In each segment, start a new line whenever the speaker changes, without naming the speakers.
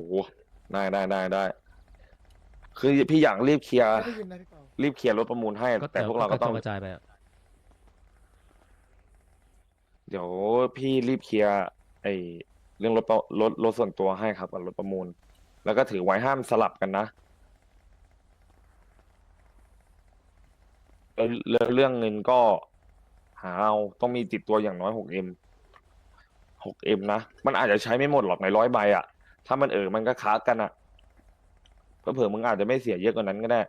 ได้คือพี่อยากรีบเคลียร์
ไม่ได้ยินนะพี่เปา
รีบเคลียร์รถประมูลให้
ก็
แต่พวกเราก็ต้อง
กระจายไปอะ
เดี๋ยวพี่รีบเคลียร์ไอ้เรื่องรถส่วนตัวให้ครับกับรถประมูล แล้วก็ถือไว้ห้ามสลับกันนะแล้วเรื่องเงินก็หาเอาต้องมีติดตัวอย่างน้อย6M นะมันอาจจะใช้ไม่หมดหรอกใน100 ใบอ่ะถ้ามันมันก็ค้ากันอ่ะเผื่อๆมึงอาจจะไม่เสียเยอะกว่านั้นก็ได้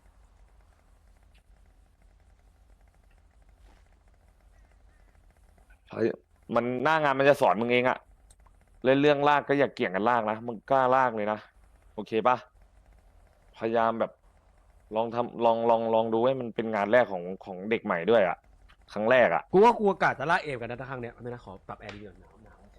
มันหน้างานมันจะสอนมึงเองอะเล่นเรื่องลากก็อย่าเกี่ยงกันลากนะมึงกล้าลากเลยนะโอเคปะพยายามแบบลองทำลองดูให้มันเป็นงานแรกของเด็กใหม่ด้วยอะครั้งแรกอะ
กูว่ากูอากาศจะลากเอฟกันนะถ้าครั้งเนี้ยไม่นะขอปรับแอร์ดีกว่าหนาว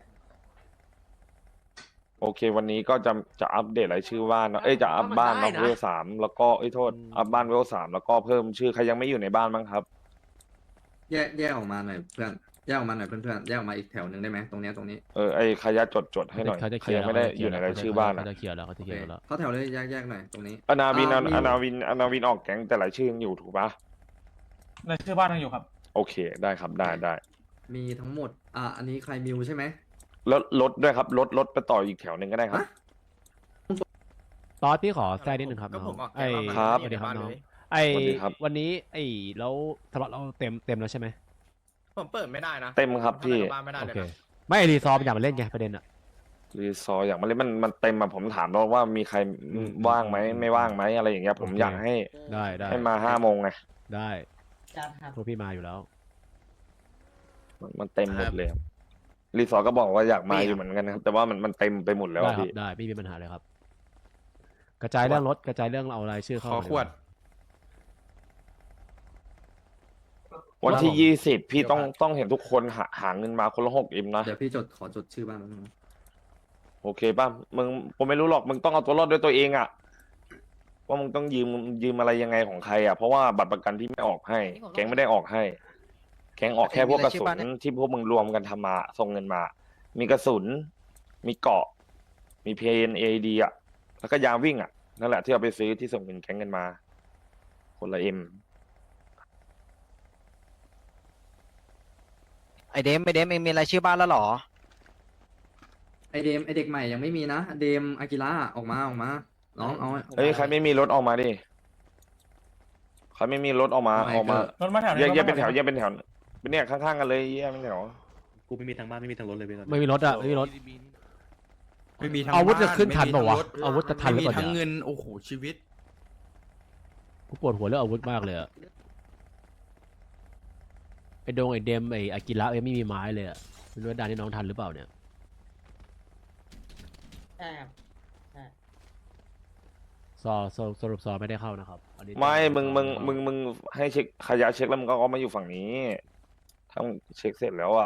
โอเควันนี้ก็จะอัปเดตรายชื่อบ้านเนาะจะอัพบ้านเนาะเวล 3แล้วก็โทษอัพบ้านเวล 3แล้วก็เพิ่มชื่อใครยังไม่อยู่ในบ้านบ้างครับ
แยกออกมาหน่อยเพื่อนแยกออกมาหน่อยเพื่อนๆแยกออกมาอีกแถวหนึ่งได้ไหมตรงนี้
ไอ้ขยะจดให้หน่อย
เขาจะเค
ใคร
ลีย
ยั
ร์
งไม่ได้อยู่ในรายชื่อบ้าน
เขา
อะ
จะเคลียร์แล้วเขาจะเคลียร์แล้ว
เข้าแถวเลยแยกหน่อยตรงนี้
อนาวิน
มี
อนาวินออกแก๊งแต่รายชื่อยังอยู่ถูกปะ
รายชื่อบ้านยังอยู่ครับ
โอเคได้ครับได้
มีทั้งหมดอันนี้ใครมิวใช่ไหม
แล้วรถด้วยครับรถไปต่ออีกแถวหนึ่งก็ได้ครับ
ฮะ
ตอนพี่ขอแทรกนิดนึงครับ
ก็
น้
ผ
อง
มออก
ไอ้
แกง
ครับ
สวัสดีครับน้อง
เลย
ไอ้
สวัสดีครับ
วันนี้ไอ้แล้วสล็อตเราเต็มแล้วใช่ไหม
ผมเปิดไม่ได้นะ
เต็มครับพี่
เข้าไปในบ้านไม่ได้
โอ
เลย
เค
นะ
ไม่ไอ้รีซอร์มันอยากมาเล่นไงประเด็นอะ
รีซอร์อย่างมาเล่นมันเต็มอะผมถามแล้วว่ามีใครว่างไหมไม่ว่างไหมอะไรอย่างเงี้ยผมอยากให้
ได้
ให้มา5 โมงไง
ได้
จัดครับ
พวกพี่มาอยู่แล้ว
มันเต็มหมดเลยครับรีซอร์ก็บอกว่าอยากมาอยู่เหมือนกันนะครับแต่ว่ามันเต็มไปหมดแล้ว
ได้
อะ
ครับ
พี่
ได้ไม่มีปัญหาเลยครับ กระจายเรื่องรถกระจายเรื่องเอารายชื่อเข้า
ขอ
มา
ขวด
วันที่20พี่ต้องเห็นทุกคนหาเงินมาคนละ 6M นะ
เดี๋ยวพี่ขอจดชื่อบ้านแป๊บนึง
โอเคป่ะมึงผมไม่รู้หรอกมึงต้องเอาตัวรอดด้วยตัวเองอะว่ามึงต้องยืมอะไรยังไงของใครอะเพราะว่าบัตรประกันพี่ไม่ออกให้ แก๊งไม่ได้ออกให้ แก๊งออกแค่พวกกระสุนที่พวกมึงรวมกันทำมาส่งเงินมา มีกระสุน มีเกราะ มีเพนเอดีอะแล้วก็ยางวิ่งอะนั่นแหละที่เอาไปซื้อที่ส่งเงินแก๊งกันมา คนละ M
ไอเดมเองมีรายชื่อบ้านแล้วเหรอ
ไอเด็กใหม่ยังไม่มีนะเดมอากิระออกมาน้องเอา
เฮ้ยใครไม่มีรถออกมาดิใครไม่มีรถออกมา
ไม่
ออกมา
รถมาแถว
แยกเป็นแถวเป็นเนี่ยข้างๆกันเลยแยกเป็นแถว
กูไม่มีทางบ้านไม่มีทางรถเลยเว้ยตอนนี้
ไม่มีรถอะไม่มีรถ
ไม่มีทั้ง
อาวุธจะ
บ้
ขึ้นทันเปล่าวะ
ไม่มีทั้งรถ
อาวุธจะทันหรือ
ไม่
เปล่า
มีทั้ง
เนี่ย
เงินโอ้โหชีวิต
กูปวดหัวเรื่องอาวุธมากเลยอะไอโดงไอเดมไออากิระยังไม่มีไม้เลยอะไม่รู้ว่าดานนี่น้องทันหรือเปล่าเนี่ย
ใช่ครับ
สรุปซอไม่ได้เข้านะครับอันนี้
ไม่มึงให้เช็คขยะเช็คแล้วมึงก็เอามาอยู่ฝั่งนี้ถ้ามึงเช็คเสร็จแล้วอ่ะ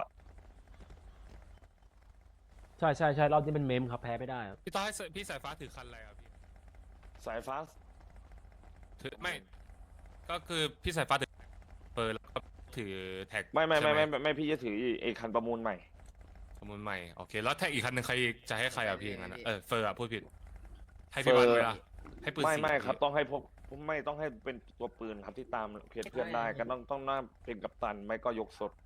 ใช่รอบนี้เป็นเมมครับแพ้ไม่ได้ครับ
พี่ต้อยพี่สายฟ้าถือคันอะไรครับพี่
สายฟ้า
ถือไม่ ก็คือพี่สายฟ้าถือเปิดแล้วก็ถือแท็ก
ไม่
ใช่ห
ไม่พี่จะถือไอ้คันประมูลใหม่
ประมูลใหม่โอเคแล้วแท็กอีกคันหนึ่งใครจะให้ใครอ่ะพี่อย่างนั้นอะเฟอร์อะพูดผิด ให้พี่บันไหมล่ะให้ปืน
ไม่
สี
ครับ ต้องให้พวกไม่ต้องให้เป็นตัวปืนครับที่ตามเพจเพื่อนได้ก็ต้องน่าเป็นกัปตันไม่ก็ยกสด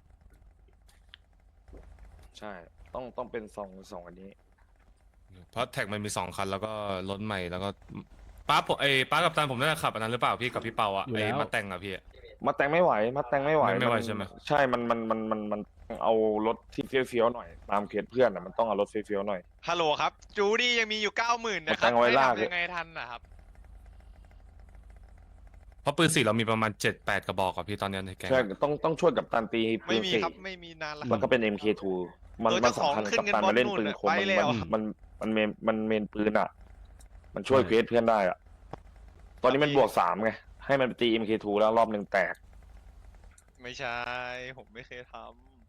ใช่ ต้องเป็นสองอันนี้
เพราะแท็กมันมี2 คันแล้วก็รถใหม่แล้วก็ป้าผมป้ากับตันผมน่าจะขับอันนั้นหรือเปล่าพี่กับพี่เปาอ่ะไอ้มาแต่งอ่ะพี่
มาแต่งไม่ไหว
ไม่ไหวใช่ไหม
ใช่มันเอารถที่เฟี้ยวๆหน่อยตามเคสเพื่อนอ่ะมันต้องเอารถเฟี้ยวๆหน่อย
ฮัลโหลครับ จูดี้ยังมีอยู่ 90,000นะค
ตั้
รับ
งเอาไว้
ให้
ลาก
ทำยังไงทันนะครับ
เพราะปืนสีเรามีประมาณ7-8 กระบอกอ่ะพี่ตอนนี้ในแก๊ง
ใช่ต้องช่วยกับตันตีปื
ไม่
น
มี
สี่
ครับไม่มีนานละ
แล้วก็เป็น MK2 มัน
เจ้าของ
สำคัญ
ขึ้น
กับ
เงิน
ตัน
บอ
มา
ล
เล่น
นู่น
ปืน
น่ะ
คม
ไปแล้ว
มันเมนปืนอ่ะ มันช่วยเควสเพื่อนได้อ่ะ ตอนนี้มันบวก 3ไงให้มันไปตี MK2 แล้วรอบหนึ่งแตก
ไม่ใช่ ผมไม่เคยท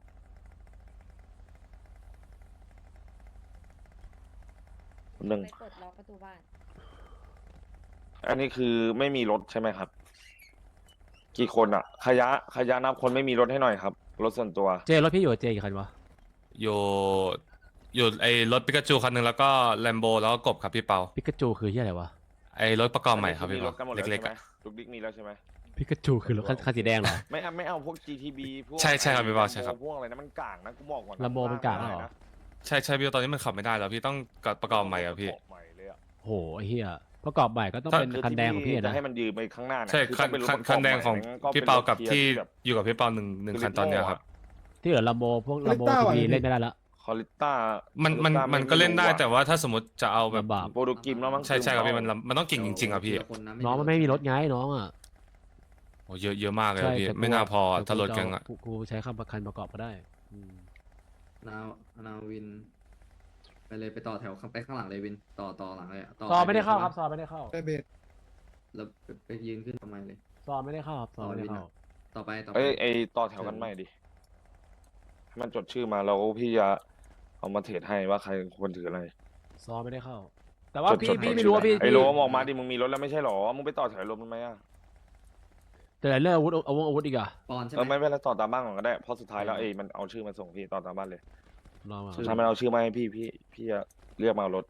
หนึ่ง
ไปกดล็อกประตูบ้าน
อันนี้คือไม่มีรถใช่ไหมครับ กี่คนอ่ะ ขยะนับคนไม่มีรถให้หน่อยครับ รถส่วนตัว
เจรถพี่อยู่กับเจกี่คันวะ
โยอยู่ไอ้รถปิกาจูคันหนึ่งแล้วก็แลมโบแล้วก็กบครับพี่เปา
ปิกาจูคือที่อะไรวะ
ไอ้รถประกอบใหม่ครับพี่
มีร
เปา
ถกันหมดแล้ว
เล็กๆ
ใช่ไหม
อะ
ลูกดิ๊กมีแล้วใช่ไหม
ปิกาจูคือรถคันสีแดงเหรอ
ไม่เอาพวก GTB พวก
ใช่ใช่ครับพี่บอลใช่ครับ
พวกอะไรนะมันกลางนะกูบอกก่อนนะ
ลำโบมันกลางเหรอ
นะ
ใช่ใช่พี่ตอนนี้มันขับไม่ได้แล้วพี่ต้องประกอบใหม่อะพี่
ประกอบใหม่เลยอะ
โหไอ้เหี้ยประกอบใหม่ก็ต้องเป็นคันแดงของพี่
จะ
นะ
ให้มันยืมไปข้างหน้าเนี่ย
ใช่
อ
คัน
ต้องเป็นรถ
คัน
ประก
คั
อบ
นแดงของ
ใหม่งั้น
พี่เปากับ
ป็นรถ
ที่
แบบ
อยู่กับพี่เปาหนึ่งคันตอนเนี้ยครับ
ที่เหลือลำโบพวกลำโบทีวีเล่นไม่ได้ละ
คอลิต้า
มันก็เล่นได้แต่ว่าถ้าสมมติจะเอาแบบ
ลำบาก
โปรโตกิมแล้วมั้ง
ใช่ใช่ครับพี่มันต้องเก่งจริงๆอะพี่
ทีละคนนะ
น้องมันไม่มีรถไงน้องอ่ะ
โอ้เยอะมากเลยอะพี่
แต่กู
ไม่น่าพออะ
แต่
ถ้ารถแกงอะ
กูใช้คำประกันประกอบก็ได้อืม
นาวิน ไปเลยไปต่อแถวไปข้างหลังเลยวิน ต่อหลังเลยะ
ซอไม่ได้เข้า
ป
ครับซอไม่ได้เข้า
แล้วไปยืนขึ้นทำไมเลย
ซอไม่ได้เข้าครับซอไม่ได้เข้า
ต่อไป
ไอ้ต่อแถวกันใหม่ดิให้มันจดชื่อมาแล้วพี่จะเอามาเทรดให้ว่าใครควรถืออะไร
ซอไม่ได้เข้า แต่ว่า
จด
พี่
จด
พี่
จด
ไม่รู้ว่าพี่
ไอ้โลมออกมาดิมึงมีรถแล้วไม่ใช่หรอมึงไปต่อแถวรถมันไหมอ่ะ
แต่เรื่องอาวุธอาวุธอีกอะ
ปอนใช่
ไม่
ไหม
เป็นไรต่อตามบ้านก่อนก็ได้เพราะสุดท้ายแล้วมันเอาชื่อมาส่งพี่ต่อตามบ้านเลย
ลองมา
สุดท้ายมันเอาชื่อมาให้พี่จะเรียกมาเอารถ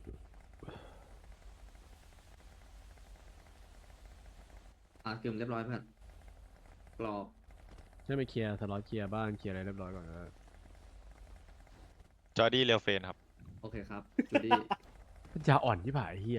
กึ่มเรียบร้อยเพื่อนกรอบ
ใช่ไปเคลียร์สล็อตเคลียร์บ้านเคลียร์อะไรเรียบร้อยก่อนนะ
จอร์ดี้เรียวเฟนครับ
โอเคครับจูดี้
ปัญญาอ่อนที่ผ่ายเฮีย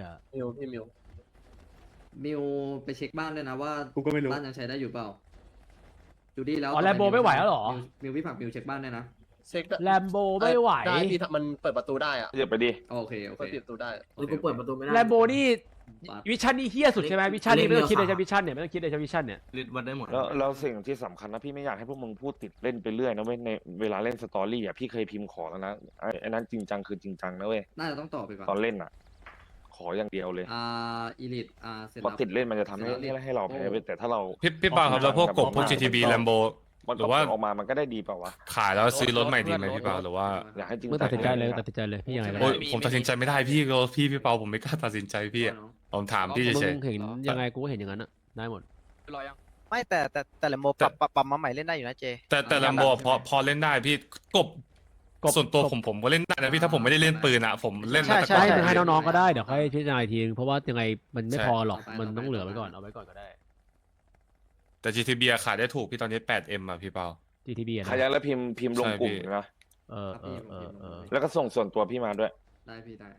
มิวไปเช็คบ้านด้วยนะว่า
กูก็ไม่รู้
บ้านยังใช้ได้อยู่เปล่าจูดี้แล้ว
อ๋อแลมโบไม่ไหวแล้วเหรอ
มิวพี่ผักมิวเช็คบ้านด้วยนะ
เช็ค
แลมโบไม่ไหว
ได้พี่มันเปิดประตูได้อะ
เรียกไปดิ
โอเค
เปิดประตูได้
กูเปิดประตูไม่ได้
แลมโบนี่วิชั่นนี่เฮี้ยสุดใช่ไหมวิชั่นนี่ไม่ต้องคิดเลยใช่วิชั่นเนี่ยไม่ต้องคิดเลยใช่วิชั่นเนี่ย
ลิดวัดได้หมด
แล้วสิ่งที่สำคัญนะพี่ไม่อยากให้พวกมึงพูดติดเล่นไปเรื่อยนะเว้ยในเวลาเล่นสตอรี่อ่ะพี่เคยพิมพ์ขอแล้วนะไอ้นั้นจริงจังคือจริงจังนะเว้ย
น่าจะต้องต่อไปก่อน
ตอนเล่นอ่ะ ขออย่างเดียวเลย
อีลิทเสร็จ
เพราะ
แล้ว
ติดเล่นมันจะทำให้
เสร็จแล้ว
ให้เราแพ้ไปแต่ถ้าเรา
พี่เปาครับแล้วพวกกบพวก GTB แลมโบ
มัน
หรือว่า
ออกมามันก็ได้ดีเปล่าวะ
ขายแล้วซื้อรถใหม่ดีไหมพี่เปาหรือว่า
อยากให้จริง
เมื่อตัดสินใจเลยตัดสินใจเลยพี่ยังไงก็
โอ้
ได้
ยผมตัดสินใจไม่ได้พี่เปาผมไม่กล้าตัดสินใจพี่อะผมถามพี่
มึ
เฉย
งเห็นยังไงกูก็เห็นอย่างนั้นอะได้หมด
ไม่แต่ละโมปรับมาใหม่เล่นได้อยู่นะเจ
ๆแต่แลมโบพอเล่นได้พี่กบส่วนตัวผมก็เล่นได้นะพี่ถ้าผมไม่ได้เล่นปืนอะผมเล่นมาแต่
ใช่
ก่อน
มึงให้น้องๆก็ได้เดี๋ยวค่อยพิจารณาอีกทีนึงเพราะว่ายังไงมันไม่
ใช่
พอหรอกมันต้องเหลือไว้ก่อนเอาไว้ก่อนก็ได้
แต่ GTB อะขายได้ถูกพี่ตอนนี้ 8M อะพี่เปา
GTB อะ
ใคร
นะ
อยากแล้วพิมพ์ลงกลุ่ม
ใช่พี่
นะ
เออ
แล้วก็ส่งส่วนตัวพี่มาด้วย
ได้พี่ได้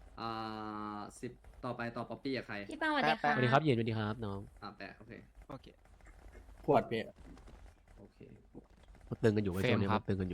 10ต่อไปต่อป๊อปปี้กับใคร
พี่ป้าสวัสดี
แป๊
ค่ะ
สวัสดีครับเย็นสวัสดีครับน้อง
แปะโอเค
โอเค
ขวดพี่
โอเค
มันตึงกันอยู่ไว้ตัวนี้
เฟรมครั
มั
บ
นตึงกันอยู่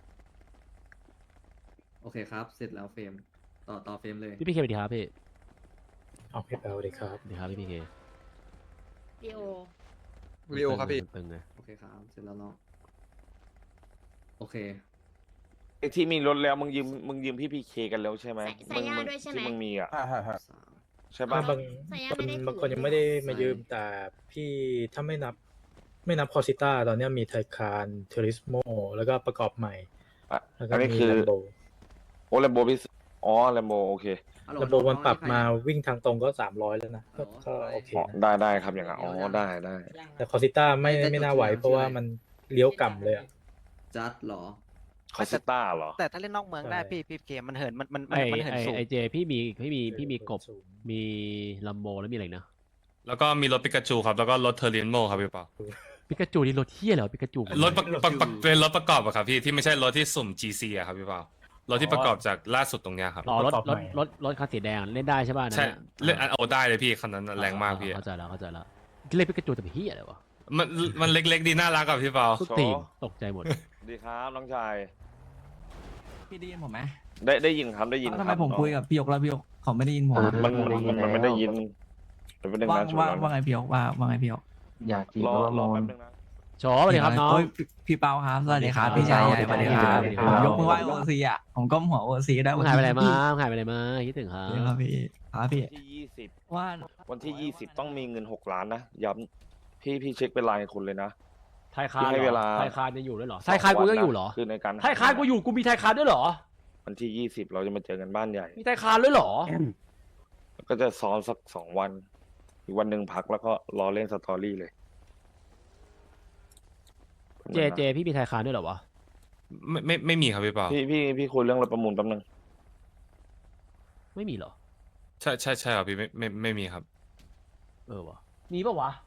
โอเคครับ เสร็จแล้วเฟรมต่อเฟรมเลย
พี่พีเคสวัสดีครับพี่
เอาพี่เปาดีครับ
สวัสดีครับพี่พีเค
ดีโอ
วิโอครับพี่
ตึงไง
โอเคครับเสร็จแล้วเนาะโอเค
ไอ้ที่มีรถแล้วมึงยืมพี่พีเคกันแล้วใช่ไหม
ใส่ย่าด้วยใช่ไหม
ที่มึงมีอ่ะ
สาม
ใช่ปะ
ใส่ย่าไม่ได้
บางคนยังไม่ได้มายืมแต่พี่ถ้าไม่นับคอสิต้าตอนนี้มีไทคานเทอริสโมแล้วก็ประกอบใหม่
อ่ะ
แล้วก็
อันนี้
มี
คือ
แลมโบ
โอ้แลมโบพี่อ๋อแลมโบโอเค
แลมโบมันปรับมาวิ่งทางตรงก็300แล้วนะก็โอเค
อ๋อ
นะ
ได้ครับอย่างนั้นอ๋อได้
แต่คอสิต้าไม่น่าไหวเพราะว่ามันเลี้ยวกล่ำเลยอะ
จัดเหรอ
คอสต้าเหรอ
แต่ถ้าเล่นนอกเมืองได้
ใช่
พี่เกมมันเหินมัน
ไอ
เหิน
ไอ
สูง
ไอเจพี่มีกบมีลัมโบแล้วมีอะไรอีกนะ
แล้วก็มีรถปิกาจูครับแล้วก็รถเทอร์เรนโมครับพี่เปา
ปิกาจูนี่รถเที่ยเหรอปิกาจู
รถเป็นรถประกอบอะครับพี่ที่ไม่ใช่รถที่สุ่ม GC อะครับพี่เปารถที่ประกอบจากล่าสุดตรงเนี้ยครับ
อ๋อรถคันสีแดงเล่นได้ใช่ป่ะ
ใช่เล่นเอาได้เลยพี่คันนั้นแรงมากพี่
เข้าใจแล้วเล่นปิกาจูแต่เป็นเฮียอะไรวะ
มันเล็กๆดีน่ารักกับพี่เปา
ทุกตีนตกใจหมด
ดีครับน้องชาย
พี่ได้ยินผมไหม
ได้ยินครับได้ยินครับ
ทำไมผมคุยกับพี่ยกแล้วพี่ยกเขาไม่ได้ยินผม
มันไม่ได้ยินเป็นเรื่อง
ว่า
น่าชว
ว่าน ว่าไงพี่ยกว่าไงพี่ยก
อยากกิน
รอ
แล้ว
รอ
โม
แป๊
น
บนึงนะ
โฉสวัสดีครับน้อง
โอ้ยพี่เปาครับสวัสดีครับพี่ชายใหญ่สวัสดีครับ
สวัสดีค
ผ
รับ
มยกมือไหว้โอซีอ่ะผมก้มหัวโอซีได้
มึงหายไปไหนมาคิดถึงครั
ครับ บพี่ครับพี่
ที่20
ว่า
วันที่ 20 ต้องมีเงิน6 ล้านนะย้ำพี่เช็คเป็นรายคนเลยนะ
ไทยคาน
ให้เวลา
ไทยคานยังอยู่ด้วยเหรอไทยคานกูยังอยู่เหรอ
คือในการ
ไทยคานกูอยู่กูมีไทยคานด้วยเหรอ
วันที่ 20 เราจะมาเจอกันบ้านใหญ่
มีไทยคานด้วยเหรอ
ก็จะซ้อมสัก2 วันอีกวันหนึ่งพักแล้วก็รอเล่นสตอรี่เลย
เจพี่มีไทยคานด้วยเหรอวะ
ไม่มีครับพี่เปา
พี่คุยเรื่องรถประมูลแป๊บนึง
ไม่มีเหรอ
ใช่ครับพี่ไม่มีครับ
เออวะมีปะวะ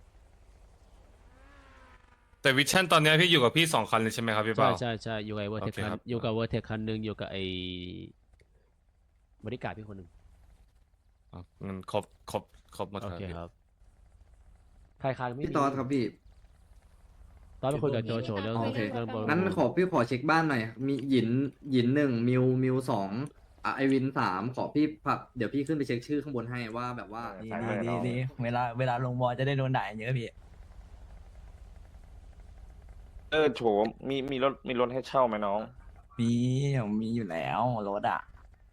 แต่วิชั่นตอนเนี้ยพี่อยู่กับพี่2 คันเลยใช่ไหมครับพี่
ใช่
เปา
ใช่อยู่กับเวอร์เทค
โอเคครับ
อยู่กับเวอร์เทคคันหนึ่งอยู่กับไอ้บริการพี่คนหนึ่ง
อ๋องั้นครบหมด
โอ
ครับ
เค
พี่
ครับใครคันไม่
พี่
มี
ตอดครับพี่
ตอนไปคุยกับโจโฉเรื่อง
โอเค
เรื่องบอล
งั้นพี่ขอเช็คบ้านหน่อย มีหยินหนึ่งมิวสองไอวิน3ขอพี่พักเดี๋ยวพี่ขึ้นไปเช็คชื่อข้างบนให้ว่าแบบว่า
ดีดีเวลาลงวอลจะได้โดนด่าเยอะพี่
โฉมมีรถให้เช่าไหมน้อง
มีอยู่แล้วรถอ่ะ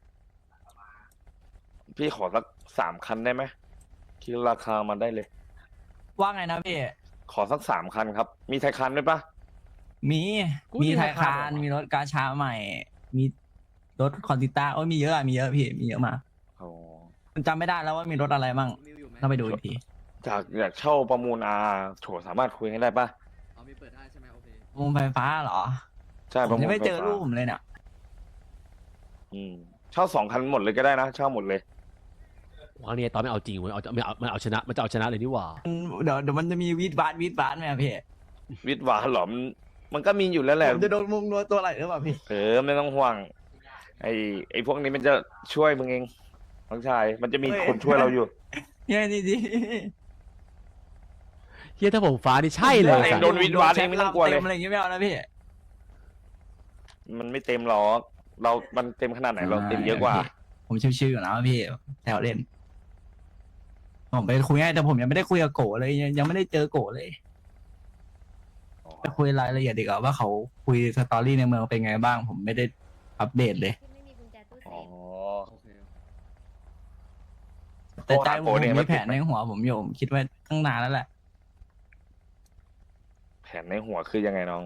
พี่ขอสัก3 คันได้ไหมคิดราคามาได้เลย
ว่าไงนะพี่
ขอสัก3 คันครับ มีไทยคันด้วยปะ
มีไทยคานมีรถกาชาใหม่ มีรถคอนติต้าโอ้ยมีเยอะมีเยอะพี่มีเยอะมาก
อ๋อ
มันจำไม่ได้แล้วว่ามีรถอะไรบ้างต้องไปดูอีกที
อยากเช่าประมูลโฉสามารถคุยให้ได้ปะ
เอามีเปิดได้ใช่ไหมโอเค
วงไฟฟ้าเหรอ
ใช่
ผ
ประ
ม
มูล
ยังไม่เจอ
ฟฟ้า
รูปผมเลยเนี่ย
เช่า2 คันหมดเลยก็ได้นะ เช่าหมดเลย
วันนี้ตอนไม่เอาจริงเว้ยมันเอาชนะมันจะเอาชนะเลยนี่หว่า
เดี๋ยวมันจะมีวีดบาร์ไหมอะพี่
วิทย์หวานหรอมันก็มีอยู่แล้วแหละ
ผมจะโดนมุงนัวตัวอะไรหรือเปล่าพี่
ไม่ต้องห่วง ไอ้พวกนี้มันจะช่วยมึงเองน้องชาย มันจะมีคนช่วยเราอยู่
เนี่ยดี
เฮียถ้าผมฟ้านี่ใช่เลย
เอง
สัตว์
โดนวีดบาร์เองไม่ต้องกลัวเลย
ต็อะไรอย่างเงี้ยไม่เอานะพี่
มันไม่เต็มหรอกมันเต็มขนาดไหนเราเต็มเยอะกว่า
ผมชิวๆอยู่แล้วพี่แถวเล่นผมไปคุยให้แต่ผมยังไม่ได้คุยกับโกะเลยยังไม่ได้เจอโกะเลยไปคุยรายละเอียดดีกว่าว่าเขาคุยสตอรี่ในเมืองเป็นไงบ้าง ผมไม่ได้อัปเดตเลย
ที่ไม่มีกุญแจตู้เซ
อ๋อ
ฟ
โอเค
แต่ใจผม
โกะเนี่ย
มี
มัน
แผนในหัวผมอยู่ผมคิดไว้ตั้งนานแล้วแหละ
แผนในหัวคือยังไงน้อง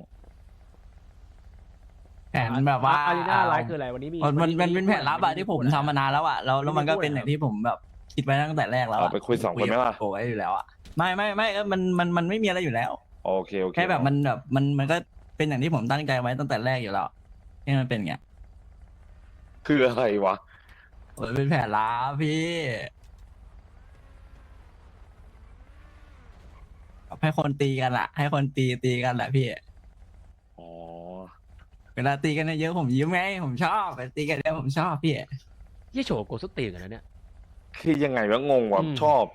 แผนแบบว่า
อารีนาไลฟ์คืออะไรวันนี้มี
มันเป็นแผนลับอะที่ผมทำมานานแล้วอะแล้วมันก็เป็นอย่างที่ผมแบบคิดไว้ตั้งแต่แรกแล้ว
เอา
อะ
ไปคุย2 คนไหมล่ะ
โกะไว้อยู่แล้วอะไม่มันไม่มีอะไรอยู่แล้ว
โอเค
แค่แบบมันก็เป็นอย่างที่ผมตั้งใจไว้ตั้งแต่แรกอยู่แล้วที่มันเป็นอย่างเงี้ย
คืออะไรวะ
โอ้ยเป็นแผนลับพี่ให้คนตีกันอะให้คนตีกันแหละพี่
อ๋อ
เวลาตีกันเยอะๆผมยิ้มไงผมชอบไปตีกันเยอะผมชอบพี่
เฮียโฉโกสตีกันนะเนี่ย
คือยังไงวะงงวะ ชอบ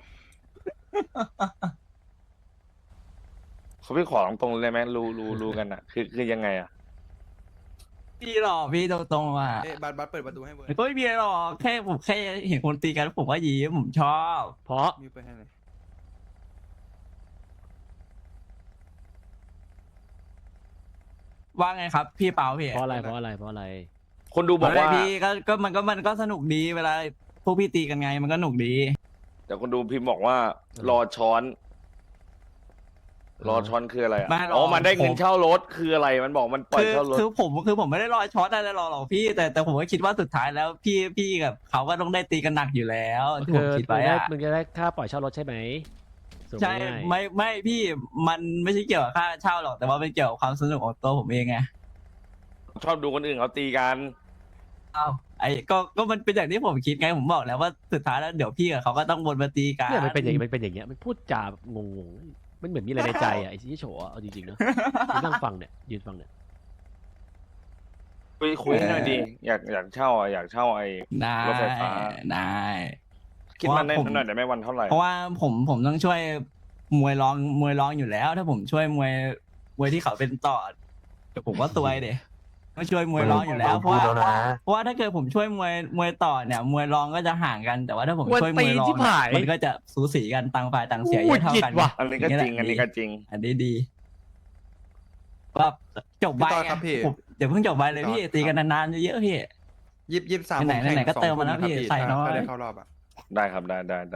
เขาพี่ขอตรงๆเลยไหมรู้กันอะคือยังไงอะ
พี่หรอกพี่ตรงๆอ่ะ
บัตรเปิดประตูให้เวิร์
ก็ไม่มีอะไรหรอกแค่ผมแค่เห็นคนตีกันผมก็ยิ้มผมชอบ
เพราะ
มิวไปให้เลย
ว่าไงครับ พี่เปาพี่
เพราะอะไร
คนดูบอกว่า
เฮ้ยพี่ก็มันก็สนุกดีเวลาพวกพี่ตีกันไงมันก็สนุกดี
แต่คนดูพิมพ์บอกว่า รอช้อน รอช้อนคืออะไรอะ
ไม่หรอก
อ๋อมันได้เงินเช่ารถคืออะไรมันบอกมันปล่อย
คือ
เช่ารถ
คือผมไม่ได้รอช็อตอะไรหรอกพี่แต่ผมก็คิดว่าสุดท้ายแล้วพี่กับเขาก็ต้องได้ตีกันหนักอยู่แล้วที่ผมคิดไว้อะ
มึงจะได้ค่าปล่อยเช่ารถใช่ไหมส่ง
ใช่
ง่าย
ไม่พี่มันไม่ใช่เกี่ยวกับค่าเช่าหรอกแต่ว่าเป็นเกี่ยวกับความสนุกของตัวผมเองไง
ชอบดูคนอื่นเขาตีกัน
อ้าวก็มันเป็นอย่างที่ผมคิดไงผมบอกแล้วว่าสุดท้ายแล้วเดี๋ยวพี่กับเขาก็ต้องวนมาตีกัน
เนี่ยมันเป็นอย่างเงี้ยมันพูดจางงๆมันเหมือนมีอะไรในใจอ่ะไอ้ที่โฉอะเอาจริงๆนะนั่งฟังเนี่ยยืนฟังเนี่ย
คุยให้หน่อยดิอยากเช่าอ่ะอยากเช่าไอ้
ได้
รถไฟฟ้า
ได้
คิดมันได้หน่อยได้ไหมวันเท่าไหร่
เพราะว่าผมต้องช่วยมวยร้องอยู่แล้ว ถ้าผมช่วยมวยที่เขาเป็นต่อเดี๋ยวผมก็ซวยเดก็ช่วยมวยร้องอยู่แล้วเพราะว่าถ้าเกิดผมช่วยมวยต่อเนี่ยมวยร้องก็จะห่างกันแต่ว่าถ้าผมช่วยมวยร้องเนี่ยมันก็จะสูสีกันต่างฝ่ายต่างเสียเยอะเท่ากัน
อันนี้ก็จริงอันนี้ก็จริง
อันนี้ดีว่าจบใบ
พี่ต่อ
ไง
ครับพี่
ผมเดี๋ยวเพิ่งจบใบเลยพี่ตีกันนานๆเยอะๆพี่
23
ไหนๆก็เติมมาแล้วพี่ใส่น้อย
ถ้าได้เข้ารอบอ่ะ
ได้ครับได้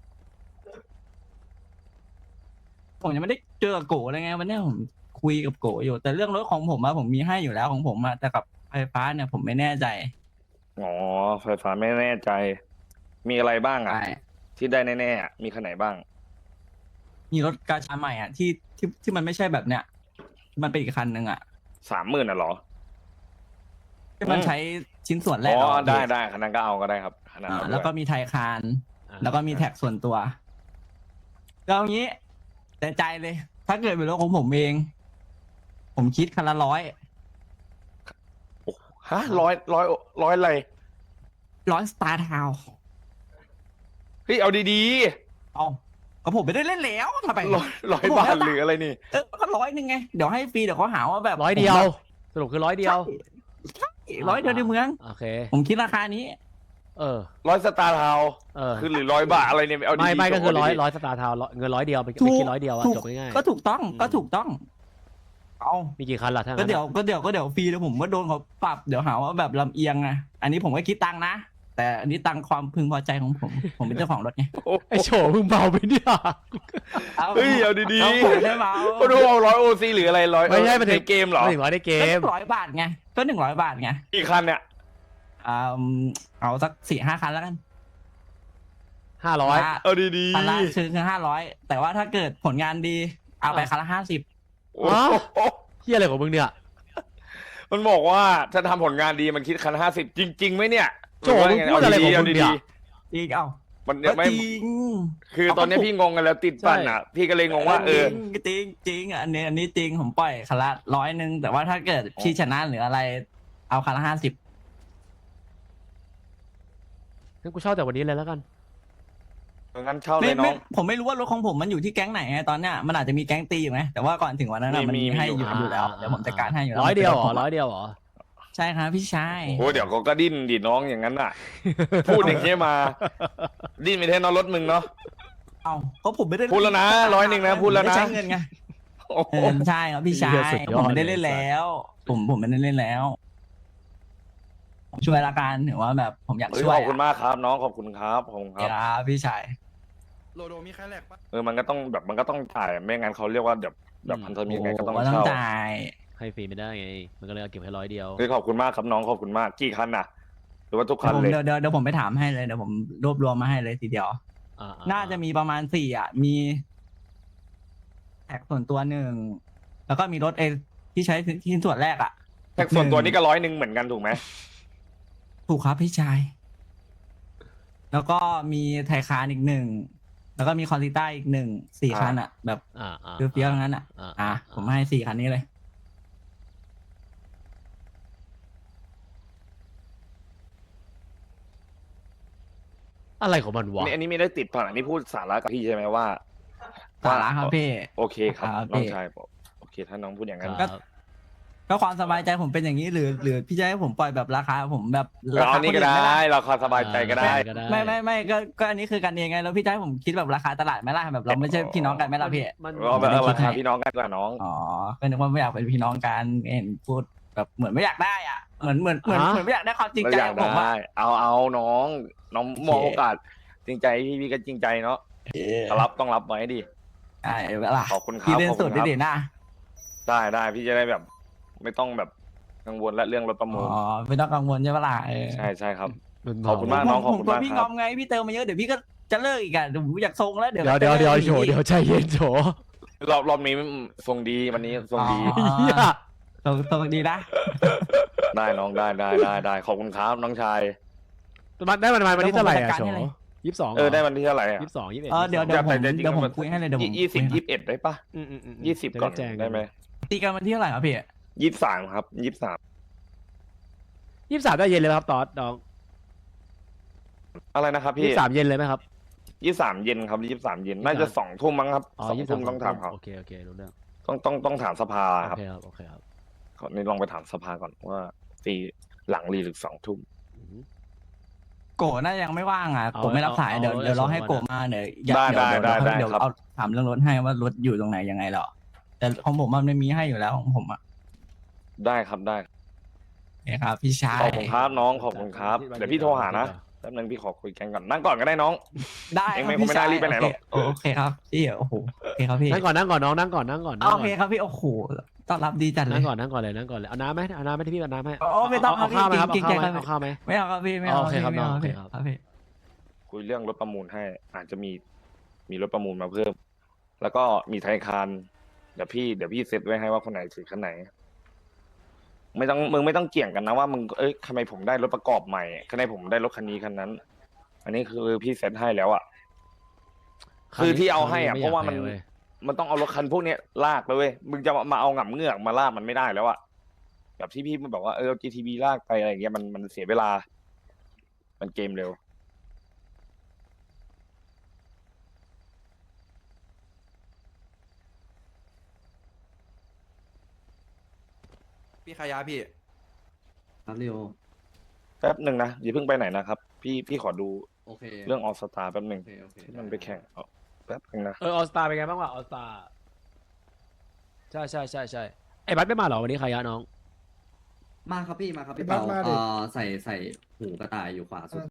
ผมยังไม่ได้เจอกับโกะเลยไงวันเนี้ยผมคุยกับโกะอยู่แต่เรื่องรถของผมอะผมมีให้อยู่แล้วของผมอะแต่กับไฟฟ้าเนี่ยผมไม่แน่ใจ
อ๋อไฟฟ้าไม่แน่ใจ มีอะไรบ้างอ่ะ
ใช่
ที่ได้แน่ๆอะมีคันไหนบ้าง
มีรถกาชาใหม่อะที่มันไม่ใช่แบบเนี้ยมันเป็นอีกคันหนึ่งอะ
30,000น่ะเหรอ
ที่มันใช้ชิ้นส่วนแรก
อ๋อ
อะ
ได้
พี่
ได้คันนั้นก็เอาก็ได้ครับขนาดนั้น
แล้วก็
ด้วย
มีไทยคาน
อ่า
แล้วก็มีแท็กส่วนตัวก็เอางี้ แต่ใจเลย ถ้าเกิดเป็นรถของผมเอง ผมคิดคันละ100
ฮะร้อยอะไร
100 สตาร์ทาว
เฮ้ยเอาดี
เอาก็ผมไม่ได้เล่นแล้วทำไม
ๆร้อยบาทหรืออะไรนี่
ก็100ไงเดี๋ยวให้ฟรีเดี๋ยวเขาหาว่าแบบ
100 เดียว สรุปคือ100 เดียว
ใช่100 เดียวในเมือง
โอเค
ผมคิดราคานี้
เออ
100 สตาร์ทาวน์
เออ
คือหรือ100 บาทอะไรเนี่ยเอาดีๆ
ไม่ก็คือ
จบ
ร้อย
ดีๆ
สตาร์ทาวน์เงิน100 เดียวไป
ถูก
คิด100 เดียวอะ
ถูก
จบง่ายๆ
ก็ถูกต้องก็ถูกต้อง เอา
มีกี่คันล่ะถ้า
ก็
งั้น
เดี๋ยวฟรีแล้วผมก็โดนเขาปรับเดี๋ยวหาว่าแบบลำเอียงไงอันนี้ผมก็คิดตังค์นะ แต่อันนี้ตังค์ความพึงพอใจของผม ผมเป็นเจ้าของรถไง
ไอ้โฉมึงเบาไปเนี่ย
เฮ้ยเอาดี
เอาผมได้เมา
ๆก็ดูเอา100 OC หรืออะไร100
ไม่ใช่มัน
ในเกมเหรอ
ไม่ถึง100ในเกม
ก็100 บาทไงก็100 บาทไง
กี่คันเนี่ย
เอาสัก4-5 คันแล้วกัน
500
เอาดี
คันละคือ500แต่ว่าถ้าเกิดผลงานดีเอาไปคันละ50
โอ้โห
เฮียอะไรของมึงเนี่ย
มันบอกว่าถ้าทำผลงานดีมันคิดคัน50จริงๆไหมเนี่ย
โจ้มึงพูดอะไรของมึงเนี่ย
จริงเอ้า
มัน
ก็
ไม่
จริง
คือตอนนี้พี่งงกันแล้วติดปั่นอ่ะ พี่ก็เลยงงว่า
จริงอันนี้จริงผมปล่อยคันละ100แต่ว่าถ้าเกิดพี่ชนะหรืออะไร เอาคันละ50
งั้นกูเช่าแต่วันนี้เลยแล้วกัน
งั้นเช่าเลยน้อง
ผมไม่รู้ว่ารถของผมมันอยู่ที่แก๊งไหนไงตอนเนี้ยมันอาจจะมีแก๊งตีอยู่ไหมแต่ว่าก่อนถึงวันนั้นอะ
มี
มันมีให้
มี
อยู่แล้วเดี๋ยวผมจัดการให้อยู่แล้ว
100 เดียวเหรอ
มันป็นถผมะ
100 เดียวเหรอ
ใช่ครับพี่ชาย
โอ้เดี๋ยวก็ดิ้นดิน้องอย่างนั้นน่ะ พูดอย่างเงี้ยมา ดิ้นไม่แท้นอนรถมึงเนาะ
เอาเพราะผมไม่ได้
พูดแล้วนะ100นะพูดแล้วนะ
ผมไม่ไใช้เงินไง
โอ้โห
ใช่ครับพี่ชา
เหี้
ย
ยสุดยอด
ผมไม่ได้เล่นแล้ว ผมไม่ได้เล่นแล้วผมช่วยละกันถือว่าแบบผมอยาก
เฮ้ย
ช่วย
ขอบคุณมากครับ น้องขอบคุณครับขอบคุณครับ
ครับพี่ชาย
โลโดมีใครแหลกปะ
มันก็ต้องจ่ายไม่งั้นเขาเรียกว่าแบบพันธมิตรไงก็ต้อง
ว่าต้อง
เช่า
จ่าย
ให้ฟรีไม่ได้ไง มันก็เลยเอาเก็บให้100 เดียว
เฮ้ยขอบคุณมากครับน้องขอบคุณมากกี่คันน่ะ หรือว่าทุกคันเลย
เดี๋ยวผมไปถามให้เลยเดี๋ยวผมรวบรวมมาให้เลยทีเดียว น่าจะมีประมาณ4อ่ะมีแท็กส่วนตัว1แล้วก็มีรถที่ใช้ชิ้นส่วนแรกอ่ะ
แท็กส่วนตัวนี่ก็100เหมือนกันถูกไหม
ถูกครับพี่ชาย แล้วก็มีไทยคานอีก1แล้วก็มีคอนติต้าอีก4 คันอ่ะ แบบ เฟี้ยวๆทั้งนั้นอ่ะ ผมให้4 คันนี้เลย
อะไรของมันวะ
อันนี้ไม่ได้ติดผ่านอันนี้พูดสาระกับพี่ใช่ไหมว่า
สาระครับพี่
โอเคครับ
ครับ
น้อง
พี่
ชายบอกโอเค ถ้าน้องพูดอย่างนั้น
ครับ
ก็ความสบายใจผมเป็นอย่างนี้หรือพี่จะให้ผมปล่อยแบบราคาผมแบบ
เราเอานี่ก็
คนอื่น
ได้
หมล่ะ
เราคาสบายใจก็ได้
ไม่ก็อันนี้คือกันเองไงแล้วพี่จะให้ผมคิดแบบราคาตลาดไหมล่ะแบบเราไม่ใช่พี่น้องกันไหมล่ะพี่
มัน
เราแบบ
ไม่ได้คิด
ราคา
ให้
พี่น้องกันกว่าน้อง
อ๋อก็นึกว่าไม่อยากเป็นพี่น้องกันเห็นพูดแบบเหมือนไม่อยากได้อ่ะเหมือนไม่อยากได้ความจริง
เรา
ใจ
อยาก
ของผมว่า
ได้เอาน้องมองโอกาสจริงใจพี่ก็จริงใจเนาะต้องรับไว้ดิ
ใช่เวลา
ขอบคุณครับ
พี่เล่น
ขอบ
สุ
คุ
ด
ณครับ
ดินะ
ได้พี่จะได้แบบ ไม่ต้องแบบกังวลและเรื่องรถประมู
อ๋
ล
อไม่ต้องกังวลใช่ปะล่ะ
ใช่ครับ
มัน
ขอบคุณมาก น้งขอบคุณ
ผม
มาก
พี่
ค
ง
รั
อบ มไงพี่เติมมาเยอะเดี๋ยวพี่ก็จะเลิกอีกอ่ะผมอยากทรงแล้วเดี๋ยว
เดี๋ยว
จะลิก
โฉเดี๋ยวใจเย็นโฉ
รอบนี้ทรงดีวันนี้ทรงดี
อ๋อ
เฮีย
ทรงดีนะ
ได้น้องได้ขอบคุณครับน้องชาย
มันได้มันวันนี้เท่าไหร่
เดี๋ยวผมจัดการ
โฉ
ให้เลย
22
ได้วันที่เท่าไหร่อ่ะ
22 21
เดี๋ยว
แต่
ผม
จริงๆ
เดี๋ยวผม
มัน
คุยให้เลยเดี๋ยวผม
20 21ได้ปะ 20ก่อน
จะแจ้ง
ได้ไหม
ตีกันวันที่เท่าไหร่ครับพี่
23ครับ23
23ได้เย็นเลยไหมครับตอดน้อง
อะไรนะครับพี่
23เย็นเลยไหมครับ
23เย็นครับ23เย็นน่าจะ2 ทุ่มมั้งครับ
อ๋อ
2 ทุ่มต้องถามเขา
โอเครู้เรื่อง
ต้องถามสภาครับ
โอเคครับ
นี่ลองไปถามสภาก่อนว่าตีหลังรีหรือ2 ทุ่ม
โกะน่ายังไม่ว่างอ่ะ
เอา
โกะไม่รับสาย
เอา
เดี๋ยว
เอา
เดี๋ยวเราให้
เอา
โกะมาเดี๋ยว
ได้
เดี๋ยว
ครับ
เอาถามเรื่องรถให้ว่ารถอยู่ตรงไหนยังไงหรอแต่ของผมมันไม่มีให้อยู่แล้วของผมอ่ะ
ได้ครับได้
นี่ครับพี่ชาย
ขอบคุณครับน้องขอบคุณครับเดี๋ยวพี่โทรหานะแป๊บนึงพี่ขอคุยกันก่อนนั่งก่อนก็ได้น้อง
ได้
เอง
ค
ไม่
รับ
คงไม่ได้รีบไปไหนหรอก
โอเคครับพี่โอ้โหโอเคครับพี่
นั่งก่อนน้องนั่งก่อน
โอเคครับพี่โอ้โหต้อนรับดีจัดเล
นั่
ย
งก่อนเลยเอาน้ำไหมที่พี่เอาน้ำให้
โอ้ไม่ต้อง
เอาข้าวไหมครับ
เกรงใจครับ
เอาข้าวไหม
ไม่เอาครับพี่ไม่เอา
โอเคครับ
ไม่เอา
น้อง
พี่
โอเคครับ
ครับพี่
คุยเรื่องรถประมูลให้ อาจจะมีรถประมูลมาเพิ่ม แล้วก็มีไทยคานเดี๋ยวพี่เซตไว้ให้ว่าคนไหนถือคันไหนมึงไม่ต้องเกี่ยงกันนะว่ามึงทำไมผมได้รถประกอบใหม่ทำไมผมได้รถคันนี้คันนั้น อันนี้คือพี่เซ็ตให้แล้วอ่ะคือที่เอาให้อ่ะเพราะว่ามันต้องเอารถคันพวกเนี้ยลากเลยเว้ยมึงจะมาเอาหง่ำเงือกมาลากมันไม่ได้แล้วอ่ะแบบที่พี่มันบอกว่าเอา GTB ลากไปอะไรอย่างเงี้ยมันเสียเวลา มันเกมเร็ว
พี่ขายาพี่
ครับเรียว
แป๊บหนึ่งนะอย่าเพิ่งไปไหนนะครับพี่ขอดู
โอเค
เรื่องออสตาแป๊บหนึ่ง
โอเค
ที่มันไปแข่งเอาแป๊บหนึ่งนะ
ออสตาเป็นไงบ้างวะออสตาใช่ไอ้บัสไม่มาเหรอวันนี้ใครยะน้อง
มาครับพี่มาครับพี่
พี่บั
เปา
สมาดิ
ใส่หูกระต่ายอยู่ขวาสุด